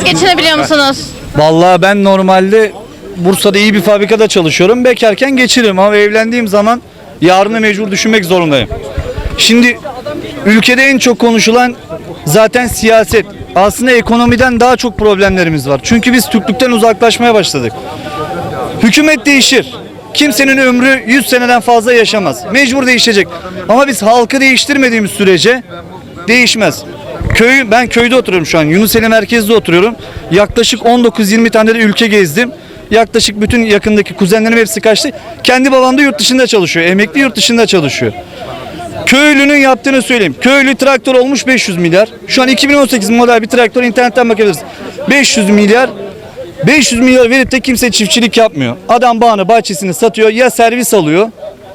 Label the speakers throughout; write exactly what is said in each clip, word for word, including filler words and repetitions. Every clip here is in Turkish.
Speaker 1: Siz geçinebiliyor musunuz?
Speaker 2: Vallahi ben normalde Bursa'da iyi bir fabrikada çalışıyorum. Bekarken geçiririm ama evlendiğim zaman yarını mecbur düşünmek zorundayım. Şimdi ülkede en çok konuşulan zaten siyaset. Aslında ekonomiden daha çok problemlerimiz var. Çünkü biz Türklükten uzaklaşmaya başladık. Hükümet değişir. Kimsenin ömrü yüz seneden fazla yaşamaz. Mecbur değişecek. Ama biz halkı değiştirmediğimiz sürece değişmez. Köy, ben köyde oturuyorum şu an. Yunuseli merkezde oturuyorum. Yaklaşık on dokuz yirmi tane de ülke gezdim. Yaklaşık bütün yakındaki kuzenlerim hepsi kaçtı. Kendi babam da yurt dışında çalışıyor. Emekli yurt dışında çalışıyor. Köylünün yaptığını söyleyeyim. Köylü traktör olmuş beş yüz milyar. Şu an iki bin on sekiz model bir traktör, internetten bakabiliriz. beş yüz milyar. beş yüz milyar verip de kimse çiftçilik yapmıyor. Adam bağını, bahçesini satıyor. Ya servis alıyor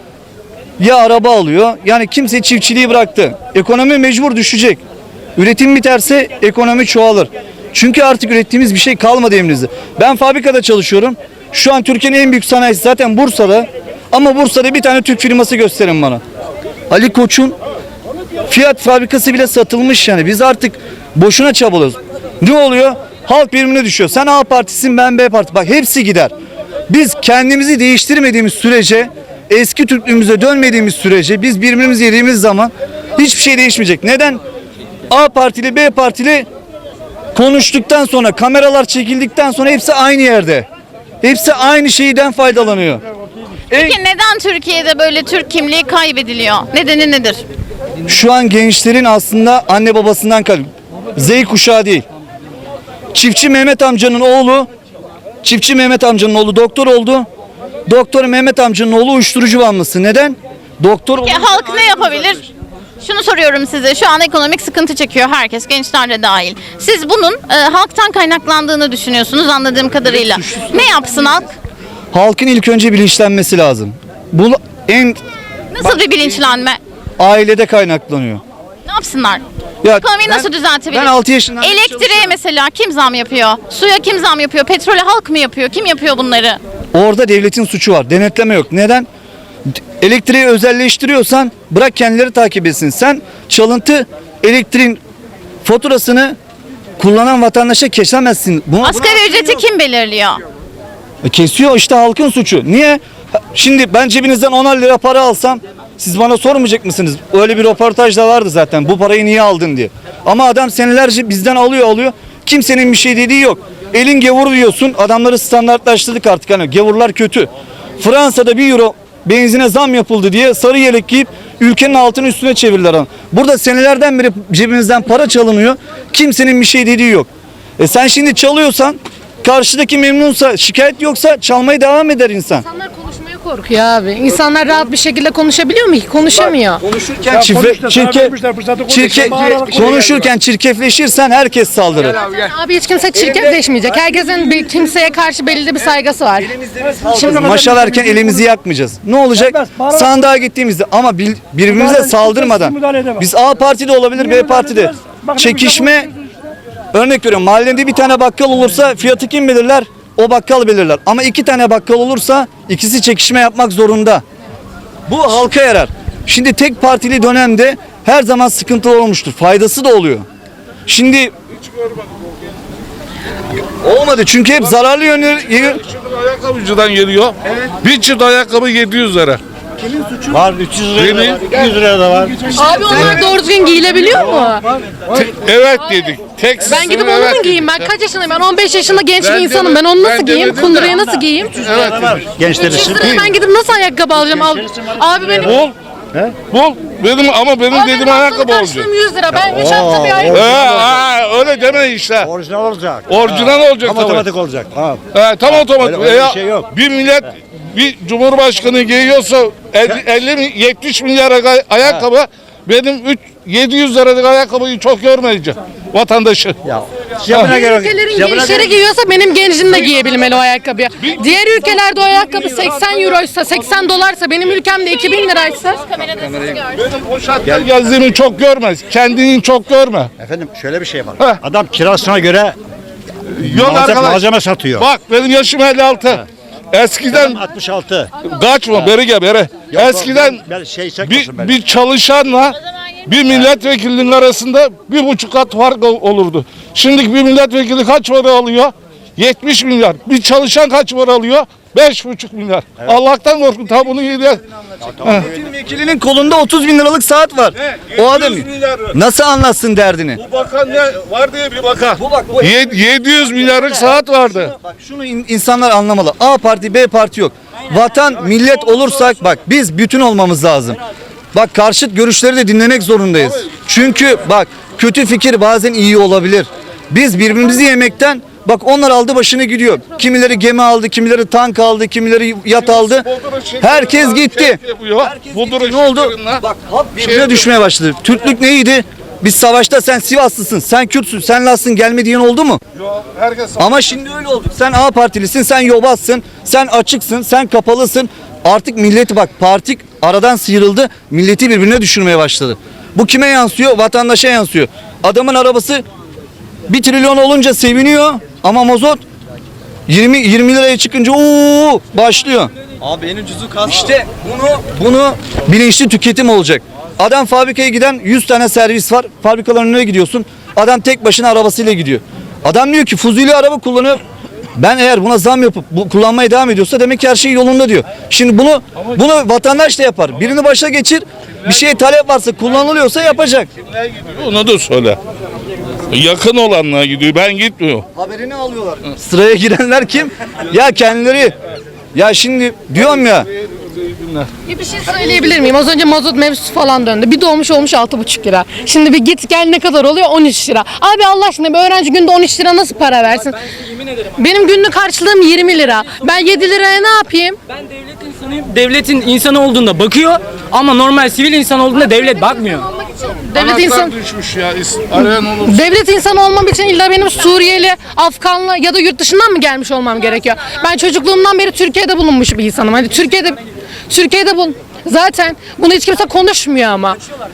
Speaker 2: ya araba alıyor. Yani kimse çiftçiliği bıraktı. Ekonomi mecbur düşecek. Üretim biterse ekonomi çoğalır. Çünkü artık ürettiğimiz bir şey kalmadı elimizde. Ben fabrikada çalışıyorum. Şu an Türkiye'nin en büyük sanayisi zaten Bursa'da. Ama Bursa'da bir tane Türk firması gösterin bana. Ali Koç'un Fiyat fabrikası bile satılmış yani. Biz artık boşuna çabalıyoruz. Ne oluyor? Halk birbirine düşüyor. Sen A partisin, ben B parti. Bak hepsi gider. Biz kendimizi değiştirmediğimiz sürece, eski Türklüğümüze dönmediğimiz sürece, biz birbirimizi yediğimiz zaman hiçbir şey değişmeyecek. Neden? A partili, B partili konuştuktan sonra, kameralar çekildikten sonra hepsi aynı yerde. Hepsi aynı şeyden faydalanıyor.
Speaker 1: Peki neden Türkiye'de böyle Türk kimliği kaybediliyor? Nedeni nedir?
Speaker 2: Şu an gençlerin aslında anne babasından kalıyor. Z kuşağı değil. Çiftçi Mehmet amcanın oğlu, Çiftçi Mehmet amcanın oğlu doktor oldu. Doktor Mehmet amcanın oğlu uyuşturucu bağımlısı. Neden? Doktor.
Speaker 1: Peki halk ne yapabilir? Şunu soruyorum size. Şu an ekonomik sıkıntı çekiyor herkes, gençler de dahil. Siz bunun e, halktan kaynaklandığını düşünüyorsunuz anladığım kadarıyla. Ne yapsın halk?
Speaker 2: Halkın ilk önce bilinçlenmesi lazım. Bu en
Speaker 1: Nasıl bir bilinçlenme?
Speaker 2: ailede kaynaklanıyor.
Speaker 1: Ne yapsınlar?
Speaker 2: Ya
Speaker 1: Ekonomiyi
Speaker 2: ben-
Speaker 1: nasıl düzeltebilir?
Speaker 2: ben altı yaşından beri
Speaker 1: Elektriğe
Speaker 2: çalışıyorum.
Speaker 1: mesela kim zam yapıyor? Suya kim zam yapıyor? Petrole halk mı yapıyor? Kim yapıyor bunları?
Speaker 2: Orada devletin suçu var. Denetleme yok. Neden? Elektriği özelleştiriyorsan bırak kendileri takip etsin. Sen çalıntı elektriğin faturasını kullanan vatandaşa kesemezsin. Buna,
Speaker 1: Asgari ücreti kim belirliyor?
Speaker 2: E, Kesiyor işte halkın suçu. Niye? Şimdi ben cebinizden onar lira para alsam siz bana sormayacak mısınız? Öyle bir röportaj da vardı zaten. Bu parayı niye aldın diye. Ama adam senelerce bizden alıyor alıyor. Kimsenin bir şey dediği yok. Elin gavur diyorsun. Adamları standartlaştırdık artık. Hani gavurlar kötü. Fransa'da bir euro benzine zam yapıldı diye sarı yelek giyip ülkenin altını üstüne çevirdiler. Adam. Burada senelerden beri cebimizden para çalınıyor. Kimsenin bir şey dediği yok. E sen şimdi çalıyorsan karşıdaki memnunsa, şikayet yoksa çalmaya devam eder insan.
Speaker 3: İnsanlar konuşmaya korkuyor abi. İnsanlar rahat bir şekilde konuşabiliyor mu ki? Konuşamıyor.
Speaker 2: Konuşurken çirke, çirke, çirke, konuşurken çirkefleşirsen herkes saldırır.
Speaker 3: Abi hiç kimse çirkefleşmeyecek. Herkesin bir kimseye karşı belli bir saygısı var.
Speaker 2: Şimdi maşalarken elimizi yakmayacağız. Ne olacak? Sandığa gittiğimizde ama bil- birbirimize saldırmadan. Biz A partide olabilir, B partide. Çekişme, örnek veriyorum, mahallede bir tane bakkal olursa fiyatı kim belirler? O bakkal belirler. Ama iki tane bakkal olursa ikisi çekişme yapmak zorunda. Bu halka yarar. Şimdi tek partili dönemde her zaman sıkıntılı olmuştur. Faydası da oluyor. Şimdi olmadı çünkü hep zararlı yönü.
Speaker 4: Ayakkabıcıdan geliyor. Evet. Bir çift ayakkabı yedi yüz lira.
Speaker 5: Var üç yüz liraya da
Speaker 4: Benim-
Speaker 5: var, iki yüz liraya da var.
Speaker 3: Abi onlar doğru düzgün giyilebiliyor mu?
Speaker 4: Te- evet dedik. Tek
Speaker 3: Ben gidip
Speaker 4: evet
Speaker 3: onu mu
Speaker 4: dedik.
Speaker 3: giyeyim? Ben kaç yaşındayım? Ben on beş yaşında genç
Speaker 4: Ben
Speaker 3: bir
Speaker 4: de-
Speaker 3: insanım. Ben onu
Speaker 4: ben
Speaker 3: nasıl
Speaker 4: de
Speaker 3: giyeyim?
Speaker 4: dedim
Speaker 3: Kunduraya
Speaker 4: de.
Speaker 3: nasıl giyeyim?
Speaker 4: Evet dedik.
Speaker 5: Gençler
Speaker 3: üç yüz
Speaker 5: için.
Speaker 3: liraya ben gidip nasıl ayakkabı alacağım? Al- Abi benim
Speaker 4: Bul. Bul. Benim ama benim
Speaker 3: Abi
Speaker 4: dediğim
Speaker 3: benim
Speaker 4: ayakkabı
Speaker 3: haftalık
Speaker 4: olacak.
Speaker 3: harçlığım yüz lira. Ben üç hafta bir
Speaker 4: Ee,
Speaker 3: ayakkabı.
Speaker 4: aa, öyle deme işte.
Speaker 5: Orijinal olacak.
Speaker 4: Orijinal olacak
Speaker 5: Tam
Speaker 4: tabii.
Speaker 5: otomatik olacak. Ha.
Speaker 4: He, tam otomatik.
Speaker 5: Öyle- öyle bir
Speaker 4: Ya,
Speaker 5: şey yok.
Speaker 4: bir millet bir cumhurbaşkanı giyiyorsa elli mi- yetmiş milyar ay- ayakkabı, benim üç yedi yüz liralık ayakkabıyı çok görmeyeceğim vatandaşı.
Speaker 5: Ya. Yapına
Speaker 3: Diğer
Speaker 5: göre.
Speaker 3: ülkelerin
Speaker 5: yapına
Speaker 3: gençleri
Speaker 5: göre-
Speaker 3: giyiyorsa benim gencim de giyebilmeli o ayakkabıyı. Diğer ülkelerde o ayakkabı seksen euroysa, seksen dolarsa, benim ülkemde iki bin liraysa.
Speaker 4: Benim o şartlar gezdiğimi çok görmez. Kendini çok görme.
Speaker 5: Efendim şöyle bir şey var.
Speaker 4: Heh.
Speaker 5: Adam kirasına göre
Speaker 4: Yok
Speaker 5: malzeme,
Speaker 4: arkadaş.
Speaker 5: malzeme satıyor.
Speaker 4: Bak benim yaşım elli altı. Eskiden
Speaker 5: altmış altı.
Speaker 4: kaçma beri gel beri.
Speaker 5: Yok,
Speaker 4: Eskiden
Speaker 5: ben- ben şey
Speaker 4: bir,
Speaker 5: çekmesin beni.
Speaker 4: bir çalışanla bir milletvekilinin arasında bir buçuk kat fark ol- olurdu. Şimdi bir milletvekili kaç para alıyor? yetmiş milyar. Bir çalışan kaç para alıyor? beş buçuk milyar. Allah'tan korkun. Ta bunu yedi.
Speaker 2: Vekilinin kolunda otuz bin liralık saat var. O adam nasıl anlatsın derdini?
Speaker 4: Bu bakan ne var diye bir bakan.
Speaker 2: Bu bak bu
Speaker 4: Ye- yedi yüz milyarlık saat vardı.
Speaker 2: Bak şunu in- insanlar anlamalı. A parti B parti yok. Vatan millet olursak bak biz bütün olmamız lazım. Bak karşıt görüşleri de dinlemek zorundayız. Çünkü bak kötü fikir bazen iyi olabilir. Biz birbirimizi yemekten bak onlar aldı başını gidiyor. Kimileri gemi aldı, kimileri tank aldı, kimileri yat aldı. Herkes gitti.
Speaker 4: Budur'un
Speaker 2: Ne oldu?
Speaker 4: şeklerinden-
Speaker 2: Bak halk birbirine düşmeye başladı. Türklük neydi? Biz savaşta sen Sivaslısın, sen Kürtsün, sen Lassın gelme diyen oldu mu?
Speaker 4: Yo, herkes
Speaker 2: Ama şimdi öyle oldu. Sen A partilisin, sen yobazsın, sen açıksın, sen kapalısın. Artık milleti bak parti aradan sıyrıldı. Milleti birbirine düşürmeye başladı. Bu kime yansıyor? Vatandaşa yansıyor. Adamın arabası bir trilyon olunca seviniyor ama mazot yirmi yirmi liraya çıkınca ooo başlıyor.
Speaker 6: Abi en ucuzu kas.
Speaker 2: İşte bunu bunu bilinçli tüketim olacak. Adam fabrikaya giden yüz tane servis var. Fabrikaların önüne gidiyorsun. Adam tek başına arabasıyla gidiyor. Adam diyor ki fuzuli araba kullanıyor. Ben eğer buna zam yapıp bu kullanmaya devam ediyorsa demek ki her şey yolunda diyor. Şimdi bunu bunu vatandaş da yapar. Birini başa geçir. Bir şeye talep varsa kullanılıyorsa yapacak.
Speaker 4: onu da söyle. Yakın olanlar gidiyor. Ben gitmiyorum.
Speaker 2: Haberini alıyorlar. Sıraya girenler kim? Ya kendileri. Ya şimdi diyorum ya.
Speaker 3: Bir şey söyleyebilir miyim? Az önce mazot mevzusu falan döndü. Bir dolmuş olmuş altı buçuk lira. Şimdi bir git gel ne kadar oluyor? on üç lira. Abi Allah aşkına bir öğrenci günde on üç lira nasıl para versin? Benim günlük harçlığım yirmi lira. Ben yedi liraya ne yapayım?
Speaker 7: Ben devlet insanıyım. Devletin insanı olduğunda bakıyor ama normal sivil insan olduğunda devlet bakmıyor.
Speaker 3: Devlet
Speaker 4: Anahtar
Speaker 3: insan
Speaker 4: düşmüş ya. is- Arayan olur.
Speaker 3: Devlet insanı olmam için illa benim Suriyeli, Afganlı ya da yurt dışından mı gelmiş olmam gerekiyor? Ben çocukluğumdan beri Türkiye'de bulunmuş bir insanım. Hani Türkiye'de Türkiye'de bul zaten bunu hiç kimse konuşmuyor ama.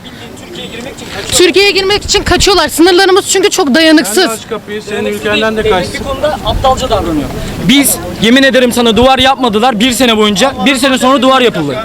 Speaker 3: Türkiye'ye girmek için kaçıyorlar. Sınırlarımız çünkü çok dayanıksız.
Speaker 6: Aç kapıyı senin ülkenden de kaçsın.
Speaker 7: Bir konuda aptalca davranıyor. Biz yemin ederim sana duvar yapmadılar bir sene boyunca. Bir sene sonra duvar yapıldı.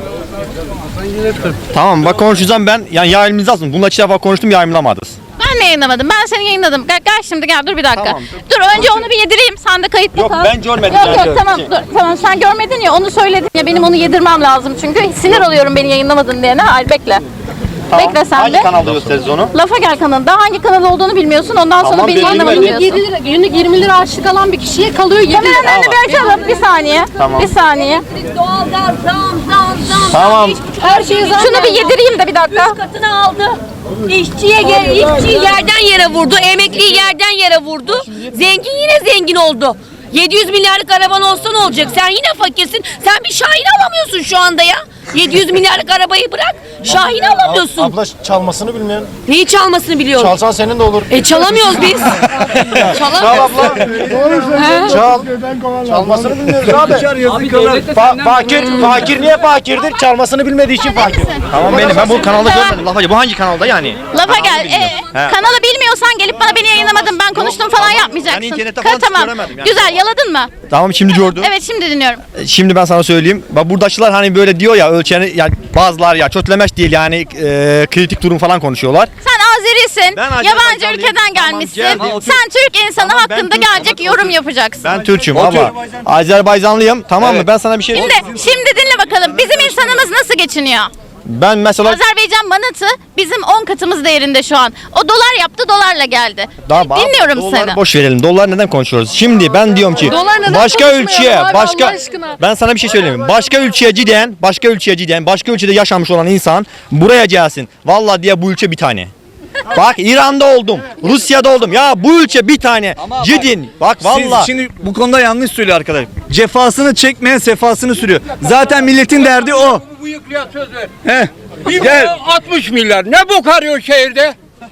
Speaker 5: Tamam bak konuşacağım ben. Yani yayınımız lazım. Bununla iki defa konuştum yayınlamadınız.
Speaker 1: Ben mi yayınlamadım? Ben seni yayınladım. Gel, gel şimdi gel dur bir dakika.
Speaker 5: Tamam.
Speaker 1: Dur önce onu bir yedireyim. Sen de kayıtta
Speaker 5: Yok,
Speaker 1: kal.
Speaker 5: ben görmedim
Speaker 1: Yok
Speaker 5: yani.
Speaker 1: yok tamam dur. Tamam sen görmedin ya onu söyledin ya benim onu yedirmem lazım çünkü sinir oluyorum beni yayınlamadın diyene. Hayır bekle. Bekle sen
Speaker 5: Hangi
Speaker 1: de.
Speaker 5: kanalda gösteririz onu?
Speaker 1: Lafa gel kanalında. Hangi kanal olduğunu bilmiyorsun. Ondan sonra
Speaker 5: Tamam,
Speaker 1: beni
Speaker 5: belli
Speaker 1: yayınlamadın
Speaker 5: belli.
Speaker 1: diyorsun.
Speaker 3: yedi lira, günlük yirmi lira harçlık alan bir kişiye kalıyor yedi
Speaker 1: Kameranın
Speaker 3: lira.
Speaker 1: önünü bir açalım. Bir saniye.
Speaker 5: Tamam.
Speaker 1: Bir saniye.
Speaker 8: Doğalgaz zam zam zam.
Speaker 5: Tamam.
Speaker 3: Her şeyi zaten
Speaker 1: Şunu bir yedireyim de bir dakika.
Speaker 8: Üç katını aldı. İşçiye gel, işçiyi yerden yere vurdu, emekliyi yerden yere vurdu. Zengin yine zengin oldu. yedi yüz milyarlık araban olsa ne olacak? Sen yine fakirsin. Sen bir Şahin alamıyorsun şu anda ya. yedi yüz milyarlık arabayı bırak. Şahin alamıyorsun.
Speaker 9: Abla çalmasını bilmeyen.
Speaker 8: Neyi çalmasını biliyorum.
Speaker 9: Çalsan senin de olur.
Speaker 8: E çalamıyoruz biz.
Speaker 9: Çal
Speaker 8: Çalamıyoruz.
Speaker 9: abla. Çal. Çalmasını bilmiyoruz abi.
Speaker 7: Abi devlet de
Speaker 9: Fa-
Speaker 7: senden
Speaker 9: fakir, fakir niye fakirdir? Çalmasını bilmediği için fakir.
Speaker 5: Tamam benim. Ben bu kanalda görmedim. Lafacı bu hangi kanalda yani?
Speaker 1: Lafa gel. Ee, kanalı bilmiyorsan gelip bana beni yayınlamadın ben konuştum falan yapmayacaksın.
Speaker 5: Ben internette
Speaker 1: Ka-
Speaker 5: falan
Speaker 1: tamam.
Speaker 5: göremedim yani.
Speaker 1: Güzel yaladın mı?
Speaker 5: Tamam şimdi gördüm.
Speaker 1: Evet şimdi dinliyorum.
Speaker 5: Şimdi ben sana söyleyeyim. Bak buradakiler hani böyle diyor ya ölçeni yani bazılar ya kötülemek değil yani e, kritik durum falan konuşuyorlar.
Speaker 1: Sen Azerisin.
Speaker 5: Ben
Speaker 1: Yabancı
Speaker 5: Azerbaycanlıyım.
Speaker 1: ülkeden
Speaker 5: Tamam,
Speaker 1: gelmişsin.
Speaker 5: geldim.
Speaker 1: Sen Türk insanı
Speaker 5: Tamam, ben
Speaker 1: hakkında
Speaker 5: Türk'üm.
Speaker 1: gelecek yorum yapacaksın.
Speaker 5: Ben Türk'üm
Speaker 2: O
Speaker 5: ama Azerbaycanlıyım tamam mı? Ben sana bir şey
Speaker 1: Şimdi, şimdi dinle bakalım. Bizim insanımız nasıl geçiniyor?
Speaker 5: Ben mesela
Speaker 1: Azerbaycan manatı bizim on katımız değerinde şu an. O dolar yaptı, dolarla geldi.
Speaker 5: Daha
Speaker 1: Dinliyorum
Speaker 5: doları
Speaker 1: seni.
Speaker 5: boş verelim. Dolar neden konuşuyoruz? Şimdi ben diyorum ki
Speaker 3: Dolar neden
Speaker 5: başka
Speaker 3: konuşmayalım
Speaker 5: ülkeye,
Speaker 3: abi,
Speaker 5: başka
Speaker 3: Allah aşkına?
Speaker 5: ben sana bir şey söyleyeyim. Başka ülkeye giden, başka ülkeye giden, başka ülkede yaşamış olan insan buraya gelsin. Vallahi diye bu ülke bir tane. Bak İran'da oldum, Rusya'da oldum. Ya bu ülke bir tane. Gidin. Bak
Speaker 2: Siz
Speaker 5: vallahi.
Speaker 2: şimdi bu konuda yanlış söylüyor arkadaş. Cefasını çekmeyen sefasını sürüyor. Zaten milletin derdi o.
Speaker 10: Bu yıklıya söz ver.
Speaker 2: Heh.
Speaker 10: Bir
Speaker 2: Gel.
Speaker 10: milyon altmış milyar. Ne bok arıyor şehirde?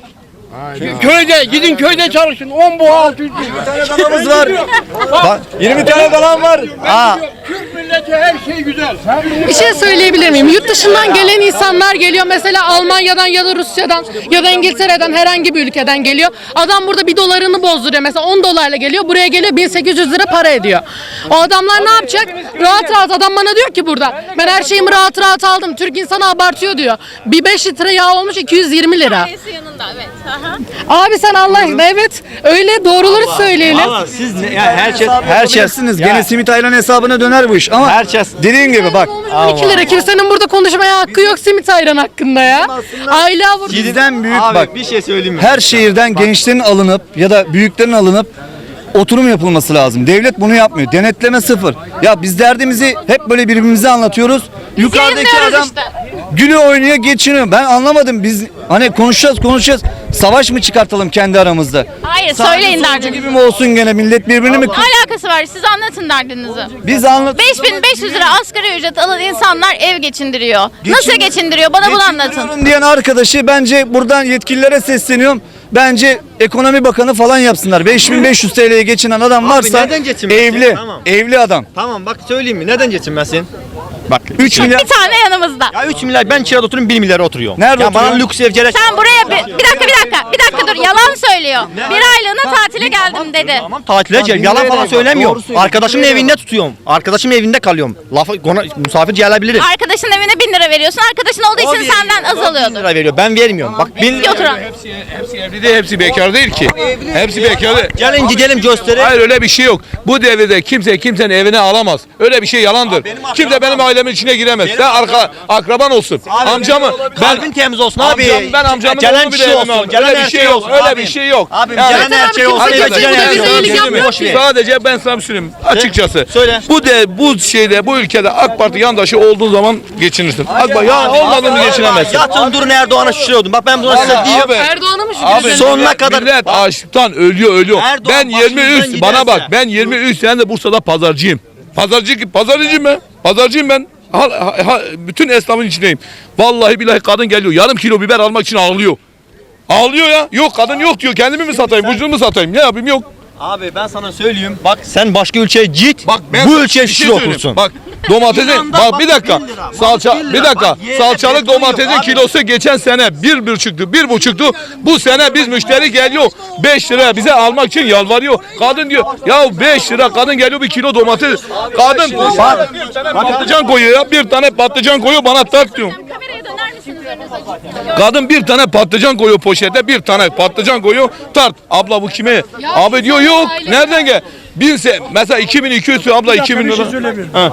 Speaker 4: Köyde gidin köyde çalışın. on bu altı yüz.
Speaker 2: Adamımız var. Bak, yirmi tane falan var.
Speaker 5: Ha.
Speaker 4: Türk milleti her şey güzel.
Speaker 3: Bir şey söyleyebilir miyim? Yurt dışından gelen insanlar geliyor. Mesela Almanya'dan ya da Rusya'dan ya da İngiltere'den herhangi bir ülkeden geliyor. Adam burada bir dolarını bozduruyor. Mesela on dolarla geliyor. Buraya geliyor bin sekiz yüz lira para ediyor. O adamlar ne yapacak? Rahat rahat adam bana diyor ki burada. Ben her şeyimi rahat rahat aldım. Türk insanı abartıyor diyor. Bir beş litre yağ olmuş iki yüz yirmi lira.
Speaker 1: Neyse yanında evet. Aha.
Speaker 3: Abi sen Allah aşkına evet öyle doğruları söyleyelim.
Speaker 5: Valla siz ne, ya her şey her şey
Speaker 2: Yapabilirsiniz. Gene simit ayran hesabına döner bu iş ama
Speaker 5: Herkes-
Speaker 2: dediğin gibi bak.
Speaker 3: iki lira kimsenin burada konuşmaya hakkı yok simit ayran hakkında ya. Aylığa vurdu.
Speaker 2: Bizden büyük
Speaker 5: Abi
Speaker 2: bak.
Speaker 5: bir şey söyleyeyim mi?
Speaker 2: Her şehirden gençlerin alınıp ya da büyüklerin alınıp oturum yapılması lazım. Devlet bunu yapmıyor. Denetleme sıfır. Ya biz derdimizi hep böyle birbirimize anlatıyoruz. Yukarıdaki
Speaker 1: yayınlıyoruz
Speaker 2: adam
Speaker 1: işte.
Speaker 2: gülüyor oynuyor geçiniyor. Ben anlamadım. Biz hani konuşacağız konuşacağız. Savaş mı çıkartalım kendi aramızda?
Speaker 1: Hayır
Speaker 2: Sağcı
Speaker 1: söyleyin
Speaker 2: solcu
Speaker 1: derdinizi.
Speaker 2: gibi mi olsun gene millet birbirini mi?
Speaker 1: Ne alakası var? Siz anlatın derdinizi.
Speaker 2: Biz anlat.
Speaker 1: beş bin beş yüz lira asgari ücret alan insanlar ev geçindiriyor. Nasıl geçindiriyor? Bana bunu anlatın.
Speaker 2: Geçindiriyorum diyen arkadaşı bence buradan yetkililere sesleniyorum. Bence ekonomi bakanı falan yapsınlar. beş bin beş yüz T L'ye geçinen adam varsa
Speaker 5: neden geçinmesin?
Speaker 2: evli,
Speaker 5: Tamam.
Speaker 2: evli adam.
Speaker 5: Tamam bak söyleyeyim mi? Neden geçinmesin? Bak
Speaker 2: üç milyar.
Speaker 1: Bir tane yanımızda.
Speaker 5: ya üç milyar ben kirada oturuyorum bir milyara oturuyorum.
Speaker 2: Nerede
Speaker 5: ya bana
Speaker 2: oturuyorsun?
Speaker 5: lüks ev gerek.
Speaker 1: Sen buraya bir, bir dakika bir dakika bir dakika dur yalan söylüyor. Bir aylığına tatile geldim dedi.
Speaker 5: Tamam tatile gel.
Speaker 2: bin
Speaker 5: Yalan
Speaker 2: liraya
Speaker 5: falan
Speaker 2: bak,
Speaker 5: söylemiyorum.
Speaker 2: doğru söylüyor.
Speaker 5: Arkadaşımın
Speaker 2: bin liraya
Speaker 5: evinde tutuyorum. Arkadaşımın evinde kalıyorum. Lafı konu, misafir gelebilirim.
Speaker 1: Arkadaşın evine bin lira veriyorsun. Arkadaşın olduğu için senden az
Speaker 5: bin
Speaker 1: alıyordur.
Speaker 5: lira veriyor. Ben vermiyorum. Bak bin
Speaker 1: Bir oturan.
Speaker 4: Hepsi evli değil, hepsi bekar değil ki. Hepsi bekar değil.
Speaker 5: Gelin gidelim gösterelim.
Speaker 4: Hayır öyle bir şey yok. Bu devirde kimse kimsenin evine alamaz. Öyle bir şey yalandır.
Speaker 5: benim akrabam-
Speaker 4: Kimse benim ailemin içine giremez. Sen arka akraban olsun.
Speaker 5: Abi,
Speaker 4: Amcamı
Speaker 5: kalbin temiz olsun abi.
Speaker 4: Amcam, ben amcamın
Speaker 5: Gelen
Speaker 4: oğlu bile
Speaker 5: kişi
Speaker 4: evime
Speaker 5: olsun,
Speaker 4: aldım.
Speaker 5: gelen
Speaker 4: Öyle bir
Speaker 5: her
Speaker 4: şey
Speaker 5: şey
Speaker 4: yok.
Speaker 5: olsun
Speaker 4: Öyle
Speaker 5: abi.
Speaker 4: bir şey yok.
Speaker 5: Abim
Speaker 4: Yani-
Speaker 5: gelen her şey olsun.
Speaker 3: kimse
Speaker 4: Arkadaş,
Speaker 3: kötü
Speaker 4: yani-
Speaker 3: bize iyilik yapmıyor
Speaker 5: Boş ver.
Speaker 4: Sadece ben sana bir söyleyeyim açıkçası.
Speaker 5: Söyle.
Speaker 4: Bu de bu şeyde bu ülkede AK Parti yandaşı olduğun zaman geçinirsin. AK Parti ya olmadın mı geçinemezsin.
Speaker 5: Yatın durun Erdoğan'a şişiriyordum. Bak ben buna size
Speaker 4: Vallahi
Speaker 5: diyeyim.
Speaker 4: abi,
Speaker 3: Erdoğan'a mı
Speaker 4: Abi
Speaker 3: şükür?
Speaker 5: sonuna
Speaker 4: millet-
Speaker 5: kadar-
Speaker 4: millet açlıktan ölüyor ölüyor.
Speaker 5: Erdoğan
Speaker 4: Ben yirmi
Speaker 5: başımızdan
Speaker 4: üç bana
Speaker 5: giderse-
Speaker 4: bak ben yirmi üç sene de Bursa'da pazarcıyım. Pazarcı pazarcıyım ben. Pazarcıyım ben. Ha, ha- ha- bütün esnafın içindeyim. Vallahi billahi kadın geliyor. Yarım kilo biber almak için ağlıyor. Ağlıyor ya. Yok kadın yok diyor. Kendimi mi satayım? Vücudumu mu satayım? Ne yapayım? Yok.
Speaker 5: Abi ben sana söyleyeyim. Bak sen başka ülkeye git.
Speaker 4: Bak ben
Speaker 5: bu
Speaker 4: sana
Speaker 5: ülkeye
Speaker 4: bir şey
Speaker 5: şişir
Speaker 4: söyleyeyim.
Speaker 5: okursun.
Speaker 4: Bak domatesin
Speaker 5: İran'da
Speaker 4: bak
Speaker 5: bak
Speaker 4: bir dakika.
Speaker 5: bin lira,
Speaker 4: Salça
Speaker 5: bin lira.
Speaker 4: bir dakika.
Speaker 5: Bak yerine
Speaker 4: Salçalık
Speaker 5: petrol yok
Speaker 4: domatesin
Speaker 5: abi.
Speaker 4: kilosu geçen sene bir buçuktu. Bir buçuktu. Bu sene biz müşteri geliyor beş liraya bize almak için yalvarıyor. Kadın diyor ya beş lira kadın geliyor bir kilo domates. Kadın bak, bir tane patlıcan koyuyor ya. Bir tane patlıcan koyuyor bana tart diyor.
Speaker 1: Kameraya döner misiniz önünüze?
Speaker 4: Kadın bir tane patlıcan koyuyor poşete, bir tane patlıcan koyuyor, tart. Abla bu kime? Abi diyor yok. Nereden gel? Binse mesela iki bin iki yüz abla iki bin lira. Ha.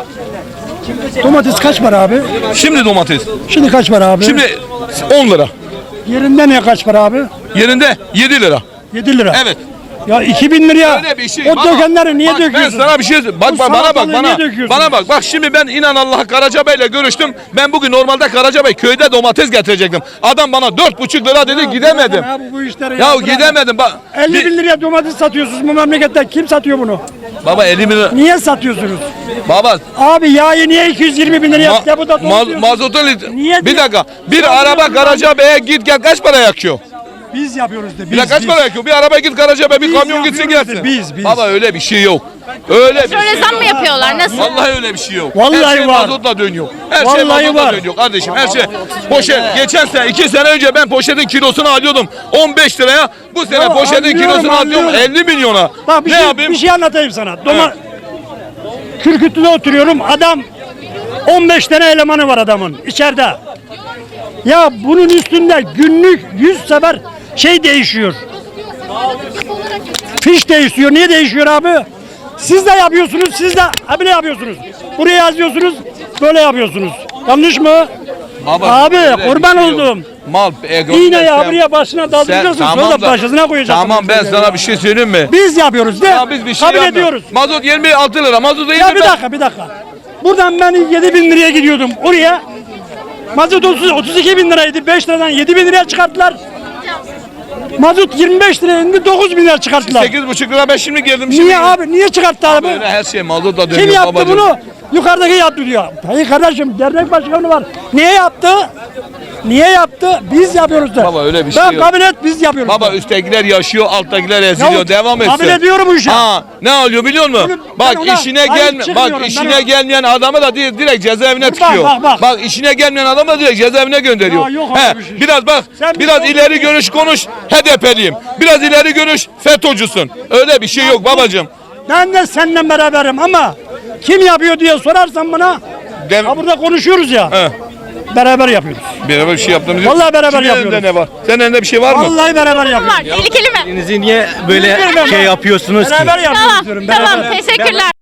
Speaker 10: Domates kaç para abi?
Speaker 4: Şimdi domates.
Speaker 10: Şimdi kaç para abi?
Speaker 4: Şimdi on lira.
Speaker 10: Yerinde ne kaç para abi?
Speaker 4: Yerinde yedi lira.
Speaker 10: yedi lira.
Speaker 4: Evet.
Speaker 10: Ya iki bin liraya
Speaker 4: Öyle bir şey.
Speaker 10: o
Speaker 4: Baba,
Speaker 10: dökenleri niye
Speaker 4: bak,
Speaker 10: döküyorsun?
Speaker 4: Ben sana bir şey söyleyeyim. Bak
Speaker 10: Bu
Speaker 4: bak bana bak
Speaker 10: salatalığı
Speaker 4: bana.
Speaker 10: niye döküyorsun?
Speaker 4: Bana bak. Bak şimdi ben inan Allah'a Karacabey'le görüştüm. Ben bugün normalde Karacabey köyde domates getirecektim. Adam bana dört buçuk lira dedi gidemedim.
Speaker 10: Abi bu işleri
Speaker 4: Ya
Speaker 10: bırak.
Speaker 4: gidemedim. Bak.
Speaker 10: elli
Speaker 4: Bir-
Speaker 10: bin liraya domates satıyorsunuz bu memlekette. Kim satıyor bunu?
Speaker 4: Baba elli bin lira.
Speaker 10: Niye satıyorsunuz?
Speaker 4: Baba
Speaker 10: Abi yağı niye iki yüz yirmi bin liraya
Speaker 4: Ma-
Speaker 10: ya bu da
Speaker 4: ma-
Speaker 10: dolduruyorsunuz?
Speaker 4: mazotun lit-
Speaker 10: Niye
Speaker 4: bir
Speaker 10: diyor-
Speaker 4: dakika. Bir
Speaker 10: Ya
Speaker 4: araba
Speaker 10: bunu-
Speaker 4: Karacabey'e git gel kaç para yakıyor?
Speaker 10: Biz yapıyoruz de.
Speaker 4: Bir dakika
Speaker 10: Biz,
Speaker 4: kaç
Speaker 10: biz.
Speaker 4: para yakıyor? Bir araba git Karacabey'e bir
Speaker 10: Biz
Speaker 4: kamyon gitsin
Speaker 10: yapıyoruz
Speaker 4: gelsin.
Speaker 10: de, biz, biz.
Speaker 4: Baba öyle bir şey yok. Öyle bir şey
Speaker 1: Şöyle zam
Speaker 4: yok.
Speaker 1: mı yapıyorlar? Nasıl?
Speaker 4: Vallahi öyle bir şey yok.
Speaker 10: Vallahi
Speaker 4: her şey
Speaker 10: var.
Speaker 4: mazotla dönüyor. Her şey
Speaker 10: Vallahi
Speaker 4: mazotla
Speaker 10: var.
Speaker 4: dönüyor kardeşim. Her şey. Poşet. Geçen sene iki sene önce ben poşetin kilosunu alıyordum on beş liraya. Bu sene
Speaker 10: Ya
Speaker 4: poşetin
Speaker 10: anlıyorum,
Speaker 4: kilosunu alıyorum
Speaker 10: anlıyorum.
Speaker 4: elli milyona.
Speaker 10: Bak bir,
Speaker 4: ne
Speaker 10: şey,
Speaker 4: yapayım?
Speaker 10: bir şey anlatayım sana. Doma Kürkütlü'de oturuyorum. Adam on beş tane elemanı var adamın içeride. Ya bunun üstünde günlük yüz sefer şey değişiyor. Fiş değişiyor. Niye değişiyor abi? Siz de yapıyorsunuz, siz de abi ne yapıyorsunuz? Buraya yazıyorsunuz, böyle yapıyorsunuz. Yanlış mı?
Speaker 4: Baba,
Speaker 10: Abi,
Speaker 4: öyle bir
Speaker 10: kurban
Speaker 4: şey yok.
Speaker 10: oldum.
Speaker 4: Mal ego.
Speaker 10: İğne ya
Speaker 4: sen-
Speaker 10: buraya başına
Speaker 4: sen-
Speaker 10: daldıracaksın,
Speaker 4: tamam
Speaker 10: sonra
Speaker 4: da-
Speaker 10: başına koyacaksın.
Speaker 4: Tamam ben sana bir şey söyleyeyim mi?
Speaker 10: Biz yapıyoruz de.
Speaker 4: Ya biz bir şey
Speaker 10: kabul
Speaker 4: yapmıyoruz.
Speaker 10: ediyoruz.
Speaker 4: Mazot yirmi altı lira. Mazot yirmi
Speaker 10: Ya bir dakika bir dakika. Buradan ben yedi bin liraya gidiyordum oraya. Mazot otuz, otuz iki bin liraydı. beş liradan yedi bin liraya çıkarttılar. Mazot yirmi beş liraya indi, dokuz bin liraya çıkarttılar.
Speaker 4: sekiz buçuk lira ben şimdi geldim. Şimdi
Speaker 10: Niye abi? Niye çıkarttı abi?
Speaker 4: Böyle her şey mazotla dönüyor
Speaker 10: Kim yaptı
Speaker 4: babacığım.
Speaker 10: bunu? Yukarıdaki yaptı diyor. Hayır kardeşim dernek başkanı var. Niye yaptı? Niye yaptı? Biz yapıyoruz da.
Speaker 4: Baba öyle bir
Speaker 10: ben
Speaker 4: şey yok.
Speaker 10: kabul et biz yapıyoruz.
Speaker 4: Baba
Speaker 10: da.
Speaker 4: üsttekiler yaşıyor, alttakiler eziliyor.
Speaker 10: Ya,
Speaker 4: Devam etsin.
Speaker 10: kabul ediyorum bu işe.
Speaker 4: Ha, ne oluyor biliyor musun?
Speaker 10: Bunu-
Speaker 4: bak
Speaker 10: ben ona
Speaker 4: işine
Speaker 10: sahip
Speaker 4: gelme
Speaker 10: çıkmıyorum.
Speaker 4: bak
Speaker 10: Ben
Speaker 4: işine
Speaker 10: ona-
Speaker 4: gelmeyen adamı da di- direkt cezaevine
Speaker 10: Bak,
Speaker 4: tıkıyor.
Speaker 10: bak, bak.
Speaker 4: işine gelmeyen adamı da direkt cezaevine gönderiyor.
Speaker 10: Ya yok
Speaker 4: He,
Speaker 10: öyle bir şey.
Speaker 4: biraz bak
Speaker 10: Sen bir
Speaker 4: biraz
Speaker 10: şey
Speaker 4: ileri
Speaker 10: olsun.
Speaker 4: görüş konuş. H D P'liyim. Biraz ileri görüş FETÖ'cüsün. Öyle bir şey yok babacığım.
Speaker 10: Ben de seninle beraberim ama kim yapıyor diye sorarsan bana.
Speaker 4: Dem-
Speaker 10: Ha burada konuşuyoruz ya.
Speaker 4: He.
Speaker 10: Beraber yapıyoruz.
Speaker 4: Beraber bir şey yaptığımız yok.
Speaker 10: Vallahi beraber
Speaker 4: Kimin
Speaker 10: yapıyoruz.
Speaker 4: elinde ne var? Senin elinde bir şey var mı?
Speaker 10: Vallahi beraber yapıyoruz.
Speaker 1: Var. Tehlikeli mi?
Speaker 9: Niye böyle
Speaker 10: Bilmiyorum
Speaker 9: şey
Speaker 10: ben.
Speaker 9: yapıyorsunuz ki?
Speaker 10: Beraber yapıyoruz
Speaker 1: Tamam.
Speaker 10: diyorum.
Speaker 1: Tamam.
Speaker 10: Beraber.
Speaker 1: Teşekkürler.